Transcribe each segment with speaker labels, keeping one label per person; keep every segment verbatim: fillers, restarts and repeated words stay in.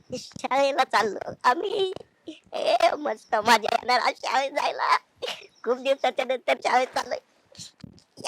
Speaker 1: शाळेला चाललो आम्ही. ए मस्त मजा येणार आज शाळेत जायला. खूप दिवसाच्या नंतर शाळेत चाललोय. या.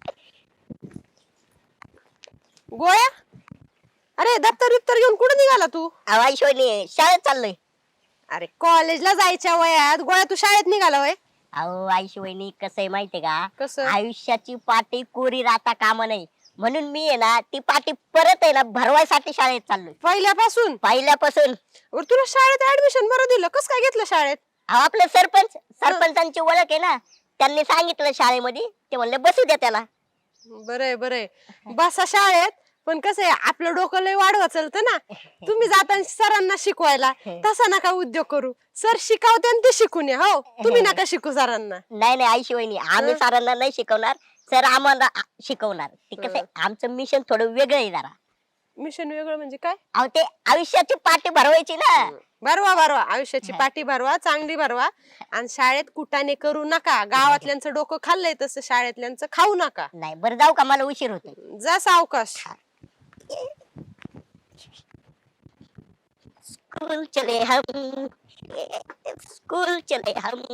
Speaker 2: गोळ्या, अरे दप्तर बिप्तर घेऊन कुठे निघाला तू?
Speaker 1: आवाज शोनी शाळेत चाललोय.
Speaker 2: अरे कॉलेजला जायच्या वयात गोळ्या तू शाळेत निघाला वय?
Speaker 1: अहो आईशी वहिनी कसं आहे माहितीये का,
Speaker 2: कसं?
Speaker 1: आयुष्याची पाटी कोरी राहता कामा नाही, म्हणून मी आहे ना ती पाटी परत आहे ना भरवायसाठी शाळेत चाललोय
Speaker 2: पहिल्यापासून?
Speaker 1: पहिल्यापासून.
Speaker 2: बरं, तुला शाळेत ऍडमिशन बरं दिलं, कस काय घेतलं शाळेत?
Speaker 1: अहो आपले सरपंच सरपंचांची ओळख आहे ना, त्यांनी सांगितलं शाळेमध्ये, ते म्हणले बसू द्या त्याला.
Speaker 2: बरंय बरंय, बसा शाळेत. पण कसं आहे, आपलं डोकं लय वाढवा चालतं ना. तुम्ही जाताना सरांना शिकवायला, तसा नका उद्योग करू. सर शिकवते आणि ते शिकून या. हो, तुम्ही नका शिकू सरांना.
Speaker 1: नाही नाही आईशी वहिनी, आम्ही सरांना नाही शिकवणार, सर आम्हाला आ- शिकवणार. ते कसं आहे, आमचं मिशन थोडं वेगळं आहे जरा.
Speaker 2: मिशन वेगळं म्हणजे काय?
Speaker 1: अहो ते आयुष्याची पाटी भरवायची ना.
Speaker 2: भरवा भरवा, आयुष्याची पाठी भरवा, चांगली भरवा. आणि शाळेत कुटाने करू नका. गावातल्यांचं डोकं खाल्लंय तसं शाळेतल्यांचं खाऊ नका.
Speaker 1: नाही बरं जाऊ का, मला उशीर होतो.
Speaker 2: जा सावकाश.
Speaker 1: स्कूल चले हम, स्कूल चले हम.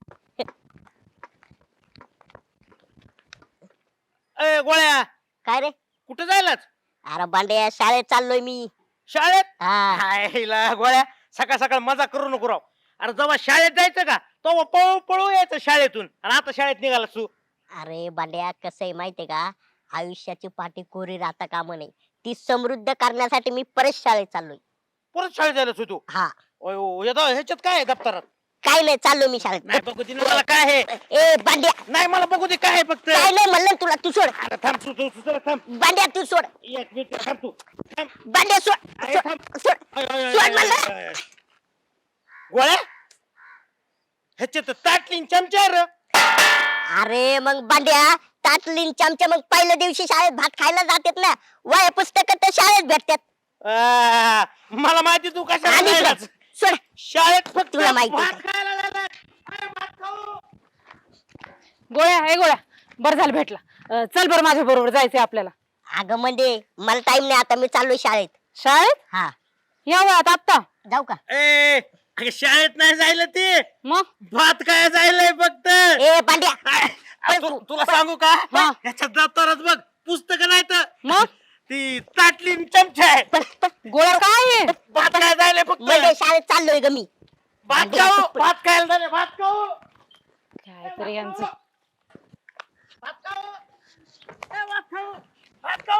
Speaker 3: ए गोळ्या,
Speaker 1: काय रे?
Speaker 3: कुठे जायलाच?
Speaker 1: अरे बांड्या शाळेत चाललोय मी.
Speaker 3: शाळेत?
Speaker 1: हा.
Speaker 3: हायला गोळ्या, सकाळ सकाळ मजा करू नको राव. अरे जेव्हा शाळेत जायचं का तेव्हा पळू पळू यायचं शाळेतून, आणि आता शाळेत निघाला तू.
Speaker 1: अरे बांड्या कसं आहे माहितीये का, आयुष्याची पाठी कोरी राहता कामा नये, ती समृद्ध करण्यासाठी मी परत शाळेत चाललोय.
Speaker 3: परत शाळेत जायलाच तू?
Speaker 1: हा.
Speaker 3: ओय ओ, या दा- ह्याच्यात काय आहे दप्तरात?
Speaker 1: काय नाही, चाललो मी शाळेत.
Speaker 3: नाही बघू दे ना मला काय आहे.
Speaker 1: ए बांड्या,
Speaker 3: नाही मला बघू दे काय आहे फक्त.
Speaker 1: काय नाही म्हणलं ना तुला, तू सोड.
Speaker 3: अरे थांब तू तू तू जरा थांब.
Speaker 1: बांड्या तू सोड.
Speaker 3: एक मिनिट थांब तू. थांब.
Speaker 1: बांड्या सोड.
Speaker 3: अरे
Speaker 1: सोड,
Speaker 3: थांब.
Speaker 1: सोड.
Speaker 3: अय, अय, अय,
Speaker 1: सोड
Speaker 3: अय,
Speaker 1: म्हणलं.
Speaker 3: अय, अय. गोळ्या, ह्याच्यात ताटलीन चमचा आहे रे.
Speaker 1: अरे मग बांड्या, ताटलीन चमच्या मग पहिल्या दिवशी शाळेत भात खायला जातात ना, वह्या पुस्तक तर शाळेत भेटतात.
Speaker 3: आ, मला माहिती तू कशाला
Speaker 1: आणि
Speaker 3: जायलाच.
Speaker 1: सोड, सोड.
Speaker 3: शाळेत फक्त
Speaker 1: तुला माहिती
Speaker 3: भात
Speaker 1: का?
Speaker 3: खायला जायलाच. अरे भात खाऊ.
Speaker 4: गोळ्या, हे गोळ्या, बरं झालं भेटला. अं, चल बरं माझ्या बरोबर जायचंय आपल्याला.
Speaker 1: अगं म्हणजे मला टाइम नाही आता, मी चाललोय शाळेत.
Speaker 4: शाळेत?
Speaker 1: हा.
Speaker 4: या वयात आत्ता?
Speaker 1: जाऊ का?
Speaker 3: ए अगं, शाळेत नाही जायला ते,
Speaker 4: मग
Speaker 3: भात काय जायलंय फक्त.
Speaker 1: ए बांड्या,
Speaker 3: काय? अरे, तु- तुला सांगू का,
Speaker 4: हा.
Speaker 3: ह्याच्यात दप्तरात बघ पुस्तक नाही तर
Speaker 4: मग?
Speaker 3: ती ताटली न चमचा आहे.
Speaker 4: गोळ्या काय आहे?
Speaker 3: भात काय जायलंय फक्त.
Speaker 1: म्हणजे शाळेत चाललोय ग मी.
Speaker 3: भात खाऊ, भात खायला जायलंय, भात खाऊ.
Speaker 4: काय तरी यांचं.
Speaker 3: भात खाऊ. ए, भात खाऊ. भात खाऊ.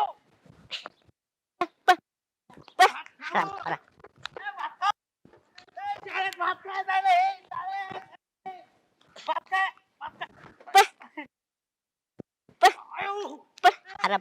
Speaker 1: खरा, खरा.
Speaker 3: ए, भात खाऊ. ए, शाळेत भात काय जायलंय, ए, शाळेत. ए, भात काय, भात काय. आयो.
Speaker 1: अरे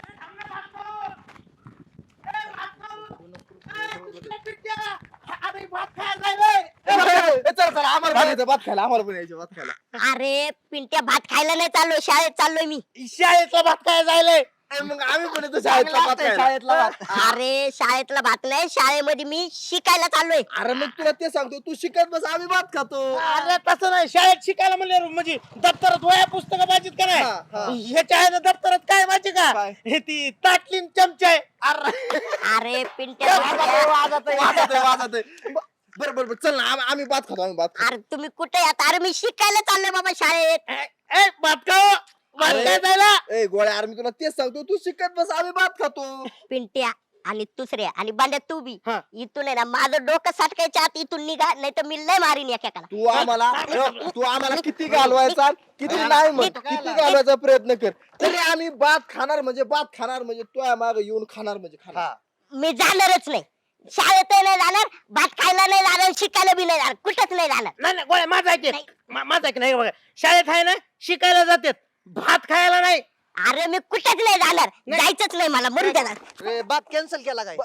Speaker 5: चल चल आम्हाला पण यायचं भात खायला, आम्हाला पण यायचं भात खायला.
Speaker 1: अरे पिंट्या, भात खायला नाही चाललोय, शाळेत चाललोय मी.
Speaker 3: शाळेतला भात काय जायलंय.
Speaker 5: ए, मग आम्ही पण येतो शाळेतला भात खायला.
Speaker 2: शाळेतला भात.
Speaker 1: अरे शाळेतला भात नाही, शाळेमध्ये मी शिकायला चाललोय.
Speaker 5: अरे मग तुला ते सांगतो, तू शिकत बस, आम्ही भात खातो.
Speaker 3: अरे तसं नाही, शाळेत शिकायला म्हणलं म्हणजे दप्तरात वया पुस्तकं पाहिजेत का
Speaker 5: हा, हा.
Speaker 3: नाही. ह्याच्या आहे ना दप्तरात काय माहिती का,
Speaker 5: काय?
Speaker 3: हे ती ताटलीन चमचा आहे.
Speaker 1: अरे पिंट्या,
Speaker 5: वाजत आहे, वाजत आहे, वाजत आहे, वाजत आहे. ब- बरं बरं बरं, चल ना, आम- आम्ही भात खातो, आम्ही भात खातो.
Speaker 1: अरे तुम्ही कुठे आता? अरे मी शिकायला चाललोय बाबा शाळेत.
Speaker 3: ए, ए, भात खाऊ, भात
Speaker 5: अरे.
Speaker 3: काय जायला.
Speaker 5: ए गोळ्या, अरे मी तुला तेच सांगतो, तू शिकत बस, आम्ही भात खातो.
Speaker 1: पिंट्या आणि दुसऱ्या आणि बांड्या तू बी
Speaker 3: हा.
Speaker 1: इथून आहे ना, माझं डोकं सटकायच्या आत इथून निघा, नाही तर मी लय मारीन एकेकाला.
Speaker 5: तू आम्हाला तू आम्हाला किती घालवायचा, किती नाही म्हण, किती घालवायचा प्रयत्न कर, तरी आम्ही भात खाणार म्हणजे भात खाणार म्हणजे तू माग येऊन खाणार म्हणजे खाणार.
Speaker 1: मी जाणारच नाही शाळेत, नाही जाणार, भात खायला नाही जाणार, शिकायला बी नाही जाणार, कुठंच नाही जाणार.
Speaker 3: नाही नाही गोळ्या, माझा ऐक
Speaker 1: नाही.
Speaker 3: मा- माझा ऐक नाही बघा, शाळेत आहे ना शिकायला जातात, भात खायला नाही.
Speaker 1: अरे मी कुठंच नाही जाणार, जायचंच नाही मला, मरू देणार.
Speaker 5: भात कॅन्सल केला काय?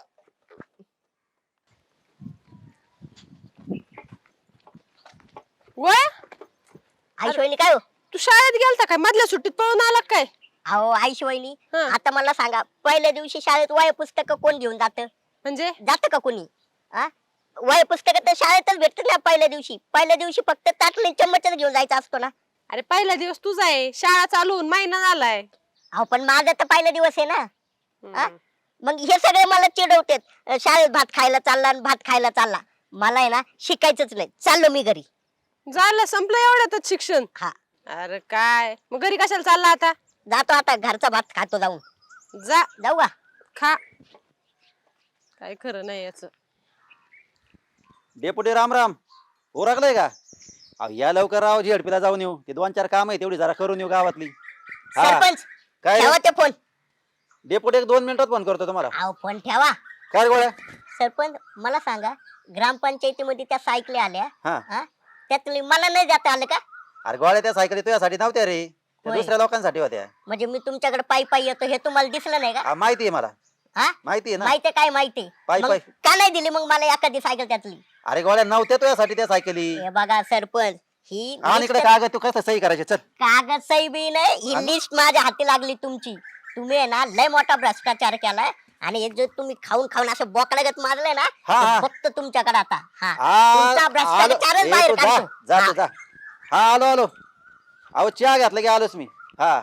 Speaker 2: गोळ्या,
Speaker 1: आईशिवायनी काय हो?
Speaker 2: तू शाळेत गेलता काय? मधल्या सुट्टीत पळून आला काय?
Speaker 1: अहो आईशिवायनी,
Speaker 2: हं.
Speaker 1: आता मला सांगा, पहिल्या दिवशी शाळेत वह्या पुस्तक कोण घेऊन जात?
Speaker 2: म्हणजे
Speaker 1: जात का कोणी? वह्या पुस्तक तर शाळेतच भेटत ना पहिल्या दिवशी. पहिल्या दिवशी फक्त ताटली चम्मचच घेऊन जायचा असतो ना.
Speaker 2: अरे पहिला दिवस तुझा आहे, शाळा चालू होऊन महिना झालाय.
Speaker 1: अहो पण माझा तर पहिला दिवस आहे ना. हा? मग हे सगळे मला चिडवतात शाळेत भात खायला चालला आणि भात खायला चालला. मला आहे ना शिकायचंच नाही, चाललो मी घरी.
Speaker 2: झालं संपलं एवढ्यातच शिक्षण.
Speaker 1: हा
Speaker 2: अरे काय मग घरी कशाला चालला आता?
Speaker 1: जातो आता, घरचा भात खातो जाऊन.
Speaker 2: जा
Speaker 1: जाऊ का?
Speaker 2: खा. काय खरं नाही याच.
Speaker 6: डेपुटी राम राम. ओरखलंय का? अहो या लवकर राव, झेडपीला जाऊन येऊ. ते दोन चार काम आहे तेवढी जरा करून येऊ गावातली. हा.
Speaker 1: सरपंच
Speaker 6: काय रे?
Speaker 1: ठेवा ते फोन.
Speaker 6: डेपुटी एक दोन मिनिटात फोन करतो तुम्हाला.
Speaker 1: अहो फोन ठेवा.
Speaker 6: काय रे गोळ्या?
Speaker 1: सरपंच मला सांगा, ग्रामपंचायतीमध्ये त्या सायकली आल्या,
Speaker 6: हा
Speaker 1: हा त्यातली मला नाही जाता आलं का?
Speaker 6: अरे गोळ्या त्या सायकली तुझ्यासाठी नव्हत्या रे, त्या
Speaker 1: होय.
Speaker 6: दुसऱ्या लोकांसाठी होत्या.
Speaker 1: म्हणजे मी तुमच्याकडे पायी पायी येतो हे तुम्हाला दिसलं नाही का?
Speaker 6: हा, माहिती आहे मला.
Speaker 1: हा
Speaker 6: माहिती आहे ना.
Speaker 1: माहिती काय माहिती?
Speaker 6: पायी
Speaker 1: मग
Speaker 6: पायी.
Speaker 1: का नाही दिली मग मला एखादी सायकल त्यातली?
Speaker 6: अरे गोळ्या नव्हत्या तुझ्यासाठी त्या सायकली.
Speaker 1: हे बघा सरपंच, ही
Speaker 6: आणि इकडे
Speaker 1: list-
Speaker 6: कागद तू कसं सही करायचे चल.
Speaker 1: कागद सही बी नाही, ही
Speaker 6: आणि-
Speaker 1: लिस्ट माझ्या हाती लागली तुमची. तुम्ही आहे ना लय मोठा भ्रष्टाचार केलाय आणि हे जे तुम्ही खाऊन खाऊन असं बोकड्यागत मारलंय ना,
Speaker 6: हा,
Speaker 1: ते
Speaker 6: हा.
Speaker 1: फक्त तुमच्याकडे आता. हा
Speaker 6: हा,
Speaker 1: तुमचा
Speaker 6: आलो.
Speaker 1: भ्रष्टाचारच
Speaker 6: ए,
Speaker 1: बाहेर
Speaker 6: तू जा
Speaker 1: काढतो.
Speaker 6: जा
Speaker 1: हा.
Speaker 6: तू जा. हा आलो आलो. अहो चहा घातला की आलोच मी. हा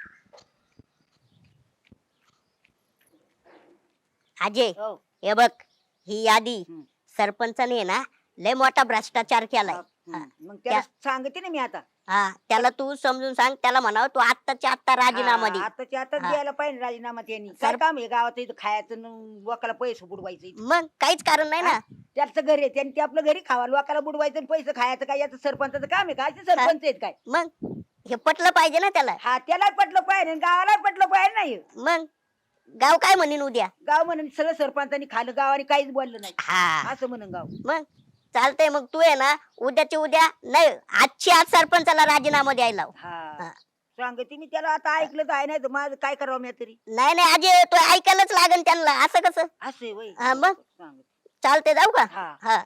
Speaker 1: अजय हे बघ, ही यादी सरपंचाने आहे ना लय मोठा भ्रष्टाचार केलाय. हा.
Speaker 7: मग त्याला सांगते ना मी आता.
Speaker 1: हा त्याला तू समजून सांग, त्याला म्हणाव तू आत्ताच्या आत्ता राजीनामा दे.
Speaker 7: आताच्या आता
Speaker 1: हा.
Speaker 7: द्यायला पाहिजे राजीनामा त्यांनी. काय
Speaker 1: सर-
Speaker 7: काम आहे गावात इथं खायचं न लोकाला पैसे बुडवायचं इथं.
Speaker 1: मग काहीच कारण नाही ना.
Speaker 7: त्याचं घर आहे त्यांनी ते आपलं घरी खावा, लोकाला बुडवायचं आणि पैसे खायचं काय याचं सरपंचाचं काम आहे काय? ते सरपंच आहेत काय?
Speaker 1: मग हे पटलं पाहिजे ना त्याला.
Speaker 7: हा त्याला पटलं पाहिजे आणि गावाला पटलं पाहिजे नाही.
Speaker 1: मग गाव काय म्हणीन उद्या?
Speaker 7: गाव म्हणून सगळं सरपंचांनी खाल्लं, गावाने काहीच बोललं नाही
Speaker 1: हा
Speaker 7: असं म्हणून गाव.
Speaker 1: मग चालतंय. मग तू आहे ना उद्याची उद्या नाही, आजची आज सरपंचाला राजीनामा द्यायला लाव.
Speaker 7: हा
Speaker 1: हा.
Speaker 7: सांगते मी त्याला. आता ऐकलं तर आहे नाही तर माझं काय करावं मी तरी.
Speaker 1: नाही नाही अजय, तो ऐकायलाच लागेल त्यांना. असं कसं?
Speaker 7: असं आहे वय.
Speaker 1: हा मग
Speaker 7: सांगते.
Speaker 1: चालते, जाऊ का?
Speaker 7: हा
Speaker 1: हा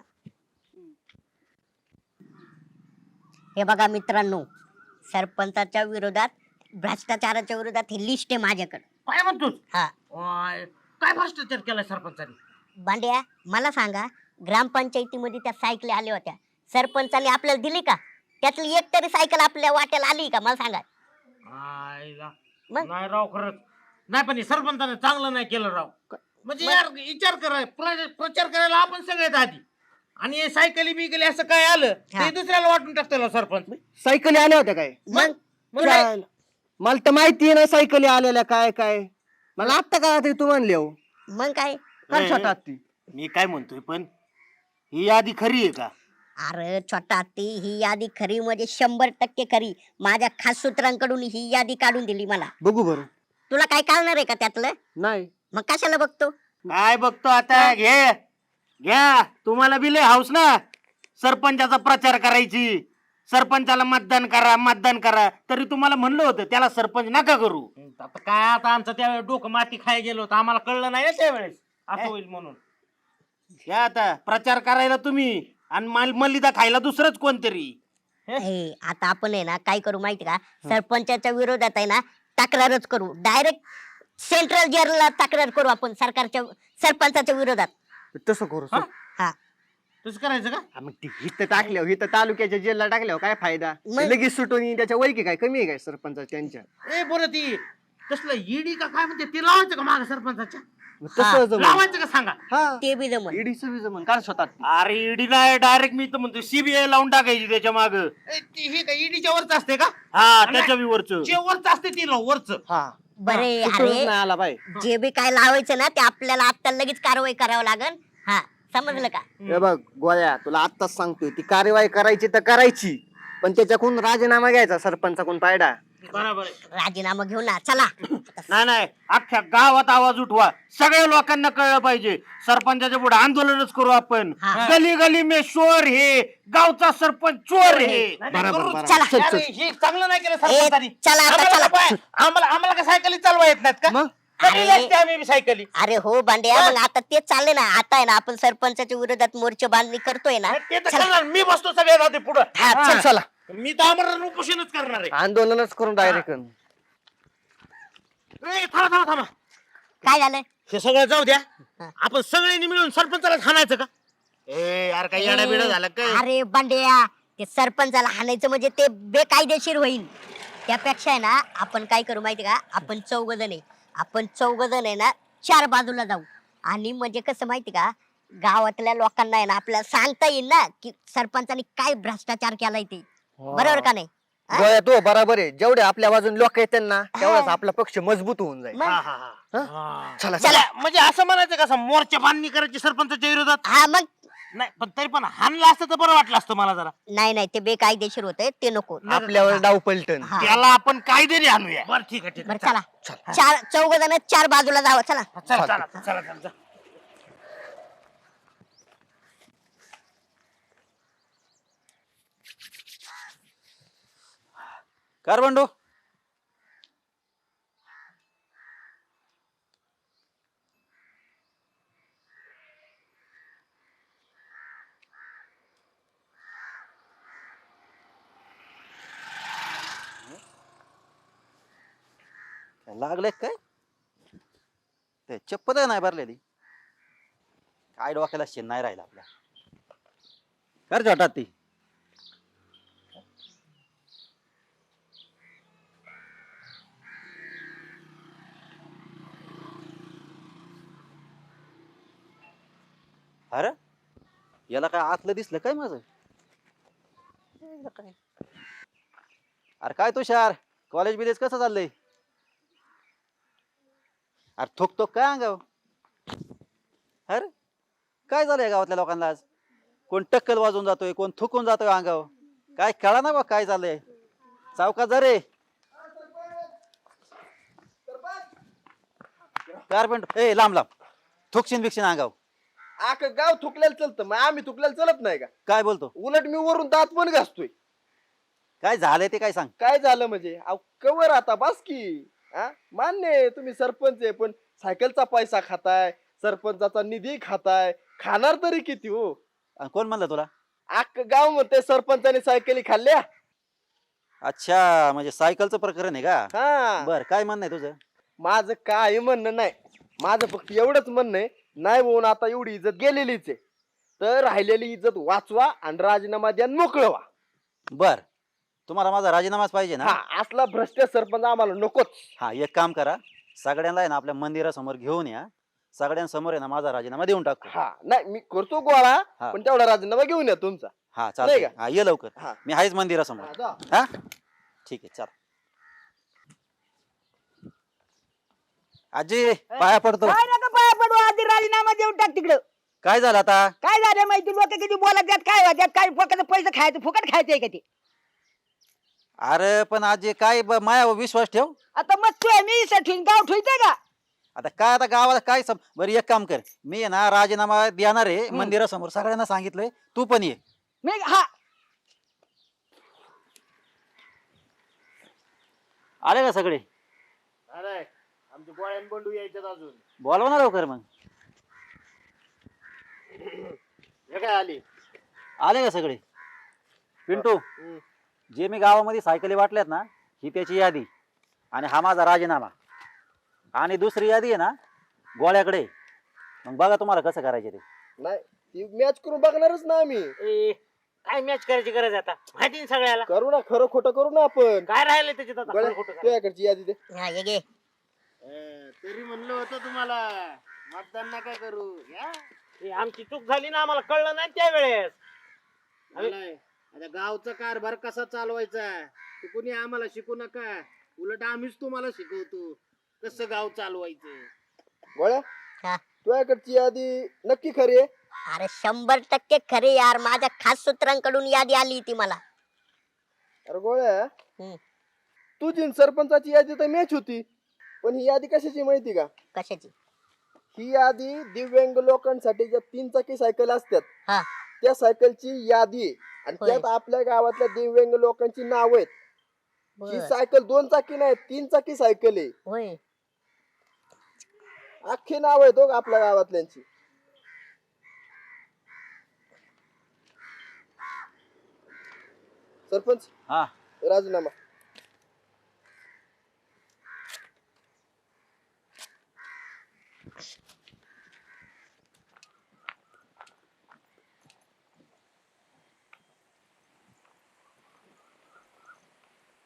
Speaker 1: हे बघा मित्रांनो, सरपंचाच्या विरोधात भ्रष्टाचाराच्या विरोधात ही लिस्ट आहे माझ्याकडे.
Speaker 3: काय म्हणतोस?
Speaker 1: हा
Speaker 3: ओय, काय भ्रष्टाचार केलाय सरपंचाने?
Speaker 1: बांड्या मला सांगा, ग्रामपंचायतीमध्ये त्या सायकली आल्या होत्या, सरपंचाने आपल्याला दिली का? त्यातली एक तरी सायकल आपल्या वाट्याला आली का? मला सांगा.
Speaker 3: आईला.
Speaker 1: मग?
Speaker 3: नाही राव खरंच नाही, पण हे सरपंचाने चांगलं नाही केलं राव. म्हणजे
Speaker 1: मग?
Speaker 3: यार विचार करा, प्र- प्रचार करायला आपण सगळ्यात आधी, आणि हे सायकली बिकली असं काय आलं
Speaker 1: हा.
Speaker 3: ते दुसऱ्याला वाटून टाकतो सरपंच.
Speaker 5: सायकली आल्या होत्या काय?
Speaker 1: मग
Speaker 3: मग काय?
Speaker 5: चाल. मला तर माहिती ना सायकली आलेल्या काय काय. मला आत्ता का तू म्हणले हो.
Speaker 1: मग काय?
Speaker 5: काय
Speaker 3: ए,
Speaker 5: छोटा हत्ती?
Speaker 3: मी काय म्हणतोय, पण ही यादी खरी आहे का?
Speaker 1: अरे छोटा हत्ती, ही यादी खरी म्हणजे शंभर टक्के खरी. माझ्या खास सूत्रांकडून ही यादी काढून दिली मला.
Speaker 5: बघू बरं.
Speaker 1: तुला काय कळणार आहे का त्यातलं?
Speaker 5: नाही.
Speaker 1: मग कशाला बघतो?
Speaker 3: काय बघतो आता? घे घ्या, तुम्हाला बी लय हाऊस ना सरपंचाचा प्रचार करायची. सरपंचाला मतदान करा मतदान करा, तरी तुम्हाला म्हणलं होतं त्याला सरपंच नका करू. आता काय, आता आमचं त्यावेळेस डोकं माती खाय गेलो होतं, आम्हाला कळलं नाही ना त्यावेळेस असं होईल म्हणून. घ्या आता प्रचार करायला तुम्ही आणि माल मलिदा खायला दुसरंच कोणतरी.
Speaker 1: हे आता आपण आहे ना काय करू माहिती का? सरपंचाच्या विरोधात आहे ना तक्रारच करू. डायरेक्ट सेंट्रल जेलला तक्रार करू आपण सरकारच्या सरपंचाच्या विरोधात.
Speaker 5: तसं करू.
Speaker 3: हा?
Speaker 1: हा
Speaker 3: तसं करायचं का?
Speaker 5: हा, मग ती हिथं टाकल्यावर हिथं तालुक्याच्या जेलला टाकल्यावर काय फायदा?
Speaker 1: मग?
Speaker 5: लगेच सुटून येईन. त्याच्या वैकी काय कमी आहे काय सरपंच त्यांच्या?
Speaker 3: ए बरं, ती तसलं ईडी का काय म्हणते ते लावायचं का माग सरपंचाच्या?
Speaker 5: मग तसं जमलं.
Speaker 3: लावायचं का सांगा?
Speaker 5: हा
Speaker 1: ते बी जमल.
Speaker 5: ईडीचं बी जमलं. काय स्वतः
Speaker 3: अरे ईडी नाही, डायरेक्ट मी तर म्हणतो सीबीआय लावून टाकायची त्याच्या माग. हे का ईडीच्या वरच असते का? हा, त्याच्या बी वरच जे वरच असते ती लाव वरच.
Speaker 5: हा
Speaker 1: बरे
Speaker 5: सुटूनच
Speaker 1: अरे,
Speaker 5: नाही आला बाय.
Speaker 1: जे बी काय लावायचं ना ते आपल्याला आता लगेच कारवाई करावं लागल. हा समजलं का?
Speaker 5: हे बघ गोळ्या, तुला आत्ताच सांगतोय, ती कार्यवाही करायची तर करायची, पण त्याच्याकडून राजीनामा घ्यायचा सरपंचाकडून पायडा.
Speaker 3: बरोबर आहे.
Speaker 1: राजीनामा घेऊन ना चला.
Speaker 3: नाही नाही, अख्ख्या गावात आवाज उठवा, सगळ्या लोकांना कळलं पाहिजे. सरपंचाच्या पुढे आंदोलनच करू आपण.
Speaker 1: हा.
Speaker 3: गली गली में शोर हे, गावचा सरपंच चोर हे.
Speaker 5: बरोबर, बरोबर.
Speaker 1: चला.
Speaker 5: चल, चल.
Speaker 3: अरे, हे चांगलं नाही केलं
Speaker 1: ए,
Speaker 3: सरपंचानी.
Speaker 1: चला आता
Speaker 3: आम्हाला
Speaker 1: चला.
Speaker 3: काय- आम्हाला आम्हाला का सायकली चालवा येत नाहीत का?
Speaker 5: मग?
Speaker 3: कधी
Speaker 1: अरे.
Speaker 3: असते आम्ही बी सायकली.
Speaker 1: अरे हो बांड्या, मग आता तेच चाललंय ना. आता आहे ना आपण सरपंचाच्या विरोधात मोर्चा बांधणी करतोय ना.
Speaker 3: ते तर
Speaker 1: चला.
Speaker 3: करणार, मी बसतो सगळ्यात आधी पुढं.
Speaker 1: हा, चल.
Speaker 5: चला
Speaker 3: मी तर आमरण उपोषणच करणार आहे.
Speaker 5: आंदोलनच करून डायरेक्ट.
Speaker 3: ए, थांबा थांबा थांबा,
Speaker 1: काय झालं?
Speaker 3: हे सगळं जाऊ द्या.
Speaker 1: हा.
Speaker 3: आपण सगळ्यांनी मिळून सरपंचाला हाणायचं का? ए यार, काय येडा बिडा झाला काय?
Speaker 1: अरे बांड्या, ते सरपंचाला हाणायचं म्हणजे ते बेकायदेशीर होईल. त्यापेक्षा आहे ना आपण काय करू माहिती का? आपण चौघ जण आहे, आपण चौघ जण आहे ना चार बाजूला जाऊ आणि म्हणजे कसं माहिती का गावातल्या लोकांना आहे ना आपल्याला सांगता येईल ना की सरपंचानी काय भ्रष्टाचार केलाय ते बरोबर का नाही हा?
Speaker 8: गोळ्या तो बरोबर आहे जेवढे आपल्या बाजून लोक येतात ना तेवढाच आपला पक्ष मजबूत होऊन जाईल
Speaker 1: मग?
Speaker 3: हा हा हा हा.
Speaker 8: चला
Speaker 1: चला.
Speaker 3: म्हणजे असं म्हणायचं का असं मोर्चा बांधणी करायची सरपंचाच्या विरोधात
Speaker 1: हा मग
Speaker 3: नाही पण तरी पण हाणलं असतं तर बरं वाटलं असतं मला जरा
Speaker 1: नाही नाही ते बेकायदेशीर होते ते नको
Speaker 8: आपल्यावर डाव पलटन
Speaker 1: हा.
Speaker 3: त्याला आपण कायद्याने आणूया बरं ठीक आहे ठीक
Speaker 1: बरं
Speaker 3: आहे
Speaker 1: चला चार चौघ जण चार बाजूला जावं चला
Speaker 3: चला चला चला चला चला.
Speaker 6: कर बंडू लागले काय ते चप्पल नाही भरलेली काय डोक्याला शेण नाही राहिला आपल्या कर छोटा ती अरे याला काय आतलं दिसलं काय माझं अरे काय तुषार कॉलेज बिलेज कसं चाललंय अरे थोक थोक काय अंगाव अरे काय झालंय गावातल्या लोकांना आज कोण टक्कल वाजून जातोय कोण थुकून जातोय अंगाव काय कळा ना बा काय झालंय चौकात जा रे कारपेंट ए लांब लांब थुकशीन बिकशीन अंगाव
Speaker 5: आख गाव थुकलेलं चलतं मग आम्ही थुकलेलं चलत नाही का
Speaker 6: काय बोलतो
Speaker 5: उलट मी वरून दात पण घासतोय
Speaker 6: काय झालंय ते काय सांग
Speaker 5: काय झालं म्हणजे अहो, कवर आता बस की हा मान्य आहे तुम्ही सरपंच आहे पण सायकलचा पैसा खाताय सरपंचाचा निधी खाताय खाणार तरी किती हो
Speaker 6: आणि कोण म्हणलं तुला
Speaker 5: अख्ख गाव म्हणते सरपंचाने सायकली खाल्ल्या
Speaker 6: अच्छा म्हणजे सायकलचं प्रकरण आहे का
Speaker 5: हा
Speaker 6: बर काय म्हणणं आहे तुझं
Speaker 5: माझं काय म्हणणं नाही माझं फक्त एवढंच म्हणणं आहे नाही होऊन आता एवढी इज्जत गेलेलीच आहे तर राहिलेली इज्जत वाचवा आणि राजीनामा द्या आणि मोकळं व्हा
Speaker 6: बर तुम्हाला माझा राजीनामाच पाहिजे ना
Speaker 5: हा असला भ्रष्ट सरपंच आम्हाला नकोच
Speaker 6: हा एक काम करा सगळ्यांना आहे ना आपल्या मंदिरासमोर घेऊन या सगळ्यांसमोर आहे ना माझा राजीनामा देऊन टाकतो
Speaker 5: हा नाही मी करतो गोळा
Speaker 6: हा.
Speaker 5: पण तेवढा राजीनामा घेऊन या तुमचा
Speaker 6: हा
Speaker 5: नाही
Speaker 6: चालतंय
Speaker 5: का?
Speaker 6: हा ये लवकर
Speaker 5: हा.
Speaker 6: मी आहेच मंदिरासमोर
Speaker 5: हा, जा.
Speaker 6: हा ठीक आहे चल आजी पाया पडतो
Speaker 7: काय नका पाया पडू आधी राजीनामा देऊन टाक तिकडं
Speaker 6: काय झालं आता
Speaker 7: काय झालं माहिती लोक किती बोलत त्यात काय होत, त्यात काय फक्त पैसे खायचं फुकट खायचंय का ते
Speaker 6: अरे पण आजी काय ब- मायावर विश्वास ठेव
Speaker 7: आता मग तू मी ठेवून गाव ठेवतोय का
Speaker 6: आता काय आता गावाला काय सम बरं एक काम कर मी आहे ना राजीनामा देणार आहे मंदिरासमोर सगळ्यांना सांगितलंय तू पण ये
Speaker 7: मी हा
Speaker 6: आले का सगळे
Speaker 3: अरे आमचे गोळ्यान बंडू यायच्यात अजून
Speaker 6: बोलवा ना लवकर मग
Speaker 3: हे काय आली
Speaker 6: आले का सगळे पिंटू जे मी गावामध्ये सायकली वाटल्यात ना ही त्याची यादी आणि हा माझा राजीनामा आणि दुसरी यादी आहे ना गोळ्याकडे मग बघा तुम्हाला कसं करायचे ते
Speaker 5: नाही ती मॅच करून बघणारच ना आम्ही
Speaker 3: ए, काय मॅच करायची गरज आहे आता माहिती ना सगळ्याला
Speaker 5: करू ना खरं खोटं करू ना आपण
Speaker 3: काय राहिलं त्याच्यात आता
Speaker 5: गळ्या-
Speaker 3: खरं खोटं काय?
Speaker 5: तुझ्याकडची यादी दे
Speaker 1: हा ये घे
Speaker 3: ए, तरी म्हणलं होतं तुम्हाला मतदान नका करू या? ए, आमची चूक झाली ना आम्हाला कळलं नाही त्यावेळेस आम्ही- आता गावचा कारभार कसा चालवायचा ते कुणी आम्हाला शिकू नका उलट आम्हीच तुम्हाला शिकवतो कसं गाव चालवायचं
Speaker 5: गोळ्या
Speaker 1: हा.
Speaker 5: तुझ्याकडची यादी नक्की खरी आहे
Speaker 1: अरे शंभर टक्के खरे यार माझ्या खास सूत्रांकडून यादी आली ती मला
Speaker 5: अरे गोळ्या
Speaker 1: हम्म.
Speaker 5: तुझी आणि सरपंचाची यादी तर मॅच होती पण ही यादी कशाची माहिती का
Speaker 1: कशाची
Speaker 5: ही यादी दिव्यांग लोकांसाठी ज्या तीन चाकी सायकल असतात
Speaker 1: हा
Speaker 5: त्या सायकलची यादी आहे आणि
Speaker 1: होय.
Speaker 5: त्यात आपल्या गावातल्या दिव्यांग लोकांची नाव आहेत ही
Speaker 1: बर.
Speaker 5: सायकल दोन चाकी नाही तीन चाकी सायकल आहे
Speaker 1: होय
Speaker 5: अख्खी नाव आहेत हो आपल्या गावातल्यांची सरपंच
Speaker 6: हा
Speaker 5: राजीनामा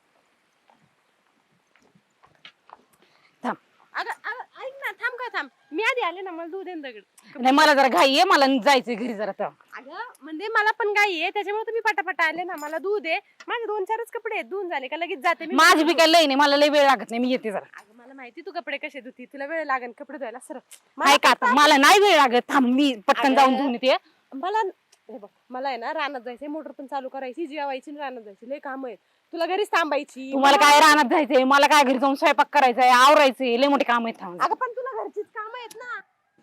Speaker 2: अगं अगं, ऐक ना थांब का थांब मी आधी आले ना, मला दूध दे ना दगड.
Speaker 4: नाही मला जरा घाई आहे, मला जायचंय घरी जरा तेव्हा.
Speaker 2: अगं म्हणजे मला पण गाई आहे, त्याच्यामुळे तुम्ही पटापटा आले ना. मला दूध आहे, माझे दोन चारच कपडे आहेत, धुवून झाले का लगेच जाते मी.
Speaker 4: माझी बी काय लय नाही, मला लय वेळ लागत नाही, मी येते जरा.
Speaker 2: अगं मला माहिती तू कपडे कसे धुती, तुला वेळ लागेल कपडे धुवायला. सर
Speaker 4: काय का आता मला नाही वेळ लागत, थांब मी पटकन जाऊन धुवून येते.
Speaker 2: मला हे बघ, मला आहे ना रानात जायचंय, मोटर पण चालू करायची, जेवायची आणि रानात जायची, लय काम आहेत. तुला घरीच थांबायची.
Speaker 4: तुम्हाला काय रानात जायचंय, मला काय घरी जाऊन स्वयंपाक करायचंय, आवरायचंय, लय मोठे काम आहेत. थांब
Speaker 2: अगं पण तुला घरचीच काम आहेत ना.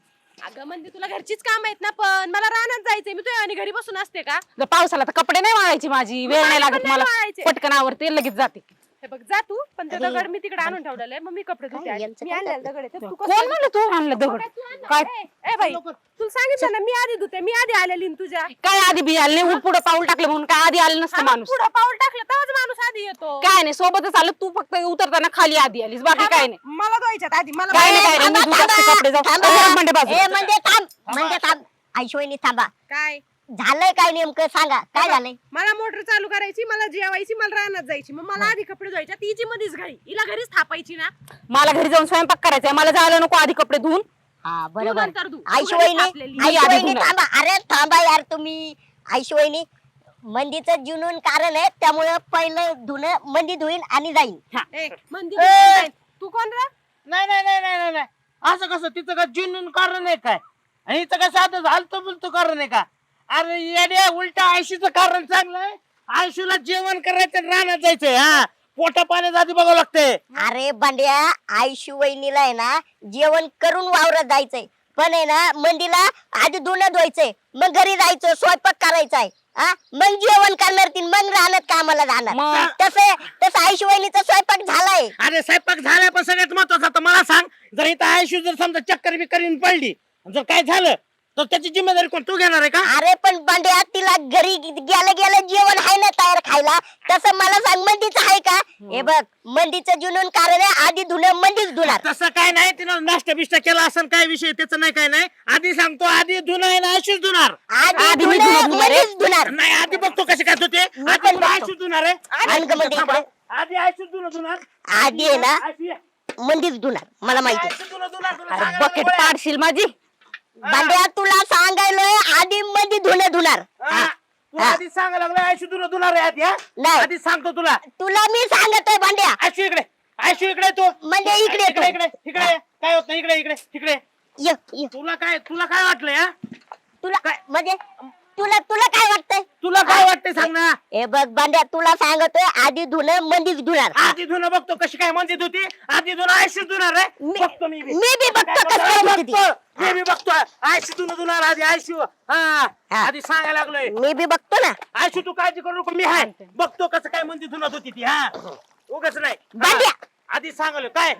Speaker 2: अगं म्हणजे तुला घरचीच काम आहेत ना, पण मला रानात जायचंय. मी तुझ्या आणि घरी बसून असते का?
Speaker 4: जर पावसाला तर कपडे नाही वाळायची, माझी वेळ नाही
Speaker 2: माझे पण
Speaker 4: लागत,
Speaker 2: नाही
Speaker 4: मला
Speaker 2: वाळायचे.
Speaker 4: पटकन आवरते लगेच जाते.
Speaker 2: हे बघ जा तू, पण ते दगड मी तिकडे आणून ठेवलेलं आहे, मग मी कपडे धुते.
Speaker 1: काय
Speaker 2: आधी.
Speaker 1: यांचं
Speaker 2: मी
Speaker 1: काय
Speaker 2: आणलेलं दगड आहे ते तू
Speaker 4: कोण म्हणलं तू आणलं दगड? काय
Speaker 2: ए बाई, तुला सांगितलं ना मी आधी धुते, मी आधी आलेली ना तुझ्या.
Speaker 4: काय आधी बी आले नाही, पुढे पाऊल टाकलं म्हणून काय आधी आलं नसतं माणूस.
Speaker 2: पुढं पाऊल टाकलं तेव्हाच माणूस आधी येतो.
Speaker 4: काय नाही सोबतच आलं, तू फक्त उतरताना खाली आधी आलीस, बाकी काय नाही.
Speaker 2: मला धुवायच्यात आधी, मला
Speaker 4: काय नाही, काय नाही,
Speaker 1: थांबा,
Speaker 4: मी धुत असते
Speaker 1: थांबा,
Speaker 4: कपडे, जाऊ.
Speaker 1: थांबा.
Speaker 4: ए, म्हणजे बाजू.
Speaker 1: ए, म्हणजे थांब म्हणजे थांब आईशिवायनी थांबा.
Speaker 2: काय
Speaker 1: झालंय काय नेमकं सांगा, काय झालंय?
Speaker 2: मला मोटर चालू करायची, मला जेवायची, मला रानात जायची, मग मला आधी कपडे धुवायच्या. तिची मध्येच घाई, हिला घरीच थापायची ना.
Speaker 4: मला घरी जाऊन स्वयंपाक करायचंय, मला जायला नको आधी कपडे धुवून.
Speaker 1: हा
Speaker 2: तू
Speaker 1: बरोबर.
Speaker 2: नंतर धु. तू
Speaker 1: आईशिवायनी
Speaker 2: घरीच थापलेली.
Speaker 4: आई आधी
Speaker 1: आईशिवायनी
Speaker 4: धुणार.
Speaker 1: थांबा. अरे थांबा यार तुम्ही. आईशिवायनी मंदीचं जुनून कारण आहे, त्यामुळे पहिलं धुणं मंदी धुईन आणि जाईन.
Speaker 2: ए, मंदिर धुवायला जाईल. तू कोण रे?
Speaker 3: नाही नाही नाही नाही नाही, नाही असं कसं, तिचं का जुनून कारण आहे काय, आणि हिचं काय साधं झालतो बोलतो कारण आहे का? अरे येड्या, उलटा आयशीचं कारण चांगलं आहे. आयशीला जेवण करायचं आणि रानात जायचंय. हा, पोटा पाण्यात आधी बघावं लागतंय.
Speaker 1: अरे बांड्या, आईशू वहिनीला आहे ना जेवण करून वावरात जायचंय, पण आहे ना मंदीला आधी धुणं धुवायचंय, मग घरी जायचं, स्वयंपाक करायचाय, हा मग जेवण करणार ती, मग राहणार कामाला जाणार.
Speaker 4: मग?
Speaker 1: तसं तसं आईशू वहिनीचा स्वयंपाक झालाय.
Speaker 3: अरे स्वयंपाक झालाय, पण सगळ्यात महत्वाचं आता मला सांग, जर इथं आयशू जर समजा चक्कर बिक्कर पडली, जर काय झालं तर त्याची जिम्मेदारी कोण, तू घेणार आहे का?
Speaker 1: अरे पण बांड्या, तिला घरी गेलं गेलं जेवण आहे ना तयार खायला, तसं मला सांग मंदीचं आहे का? हे बघ, मंदीचं जुनून कारण आहे, आधी धुणं मंदीच धुणार.
Speaker 3: तसं काय नाही, तिनं नाश्ता बिष्टा केला असं काय विषय, त्याचं नाही काय नाही. आधी सांगतो, आधी धुणं आहे ना आयशूच धुणार.
Speaker 1: आधी
Speaker 4: आधी मी
Speaker 1: धुणं
Speaker 4: धुणं धुणार आहे.
Speaker 1: मंदीच धुणार.
Speaker 3: नाही, आधी बघतो कसे काय होते.
Speaker 1: मी
Speaker 3: आधी
Speaker 1: पण
Speaker 3: तुला
Speaker 1: बघतो.
Speaker 3: आयशूच धुणार आहे.
Speaker 1: आणि का मध्ये
Speaker 3: थांबा.
Speaker 1: इकडे?
Speaker 3: आधी आयशूच धुणं धुणार.
Speaker 1: आधी आहे ना
Speaker 3: आयशू ये.
Speaker 1: मंदीच धुणार, मला माहिती.
Speaker 3: आयशू धुणं धुणार, तुला
Speaker 4: अरे
Speaker 3: सांगायला
Speaker 4: बकेट
Speaker 3: नको आहे.
Speaker 4: पाडशील माझी.
Speaker 1: बांड्या तुला सांगायलोय, आधी मंदी धुणं धुणार.
Speaker 3: हा, तू आधी सांगायला लागला आयशू धुणं धुणार आहे आधी. हा?
Speaker 1: नाही.
Speaker 3: आधी सांगतो तुला.
Speaker 1: तुला मी सांगतोय बांड्या,
Speaker 3: आयशू इकडे, आयशू इकडे ये तू.
Speaker 1: म्हणजे इकडे
Speaker 3: इकडे
Speaker 1: येतो.
Speaker 3: इकडे इकडे ये. काय होत नाही, इकडे इकडे इकडे.
Speaker 1: ये, ये.
Speaker 3: तुला काय तुला काय वाटलंय? हा?
Speaker 1: तुला म्हणजे तुला तुला काय वाटतंय?
Speaker 3: तुला काय वाटतंय सांग ना.
Speaker 1: हे बघ बांड्या, तुला सांगतोय आधी धुणं मंदीच धुणार.
Speaker 3: आधी धुणं बघतो कशी काय म्हणते होती. आधी धुणं आयशू धुणार आहे.
Speaker 1: मी
Speaker 3: बघतो मी बी.
Speaker 1: मी बी बघतो
Speaker 3: काय
Speaker 1: कसं काय
Speaker 3: बघतो,
Speaker 1: धुते ती.
Speaker 3: बघतो. मी बी बघतो. आयशू धुणं धुणार आधी आयशू. हा,
Speaker 1: हा.
Speaker 3: आधी सांगायला लागलोय.
Speaker 1: मी बी बघतो ना.
Speaker 3: आयशू तू काळजी करू नको, मी आहे. बघतो कसं काय म्हणते धुणत होती ती. हा, उगाच नाही. हा.
Speaker 1: बांड्या.
Speaker 3: आधी सांगलो काय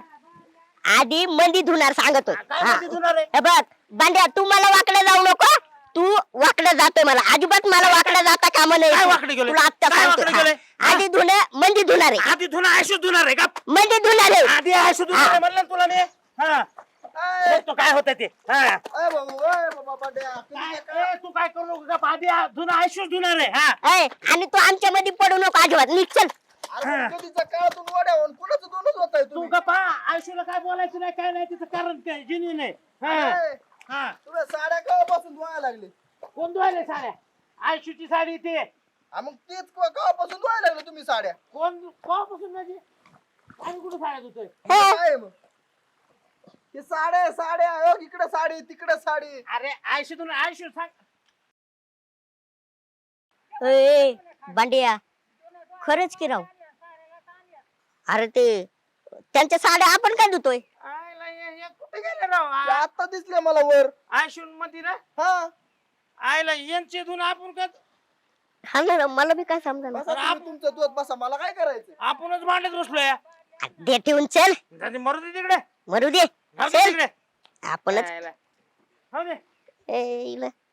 Speaker 1: आधी मंदी धुणार सांगतोय.
Speaker 3: काय
Speaker 1: हा.
Speaker 3: म्हणते धुणार आहे.
Speaker 1: हे बघ बांड्या, तू मला वाकडं जाऊ नको. तू वाकडं जातोय, मला अजिबात मला वाकडं जाता कामा
Speaker 3: काय
Speaker 1: नाही.
Speaker 3: वाकडं गेलोय?
Speaker 1: तुला आत्ता
Speaker 3: काय
Speaker 1: सांगतो.
Speaker 3: वाकडं गेलोय?
Speaker 1: हा. आधी धुणं मंदी धुणार आहे.
Speaker 3: आधी धुणं आयशू धुणार आहे का?
Speaker 1: मंदी धुणार आहे.
Speaker 3: आधी आयशू धुणार आहे म्हणलं ना तुला मी. हा, बघतो काय होतं ते. हा,
Speaker 5: अय बाबू, अय बाबा बांड्या,
Speaker 3: काय
Speaker 5: तुम्ही काय-
Speaker 3: ए, तू काय करू नको का? आधी धुणं आयशूच धुणार आहे. हा,
Speaker 1: ऐ, आणि तू आमच्या मध्ये पडू नको अजिबात. निघ चल.
Speaker 5: अरे पण कधीच्या काळातून वड्या होऊन कुणाचं दोनच होत आहे
Speaker 3: तू
Speaker 5: तुम्ही?
Speaker 3: गप्पा. आयशूला काय बोलायचं नाही, काय नाही, तिचं कारण काय जिनियन आहे. हा,
Speaker 5: अय,
Speaker 3: हा.
Speaker 5: तुला साड्या केव्हापासून धुवायला लागले?
Speaker 3: कोण धुवायले साड्या? आयशूची साडी ते
Speaker 5: हा, मग तेच केव्हा- केव्हापासून धुवायला लागले तुम्ही साड्या?
Speaker 3: कोण कोणापासून म्हणजे आम्ही कुठं साड्या धुतोय?
Speaker 1: हा.
Speaker 5: काय मग हे साड्या साड्या अहो, इकडे साडी तिकडे साडी.
Speaker 3: अरे आयशू धुणं आयशू सांग.
Speaker 1: ए, बांड्या, खरंच की राव. अरे ते त्यांच्या साड्या आपण काय धुतोय?
Speaker 3: आयला हे- हे कुठे गेले राव?
Speaker 5: ते आता दिसले मला वर.
Speaker 3: आयशू मध्ये ना
Speaker 5: हा
Speaker 3: आयला यांचे धुणं आपण का
Speaker 1: हा ना, मला बी काय समजा
Speaker 5: बसा तुम्ही तुमचं दूध बसा, मला काय करायचं?
Speaker 3: आपणच भांडत बसलोय.
Speaker 1: दे ठेवून चल.
Speaker 3: जाते मरू दे तिकडे.
Speaker 1: मरू दे.
Speaker 3: जाऊ दे
Speaker 1: चल
Speaker 3: तिकडे.
Speaker 1: आपणच.
Speaker 3: आयला. हो दे.
Speaker 1: ए, इला.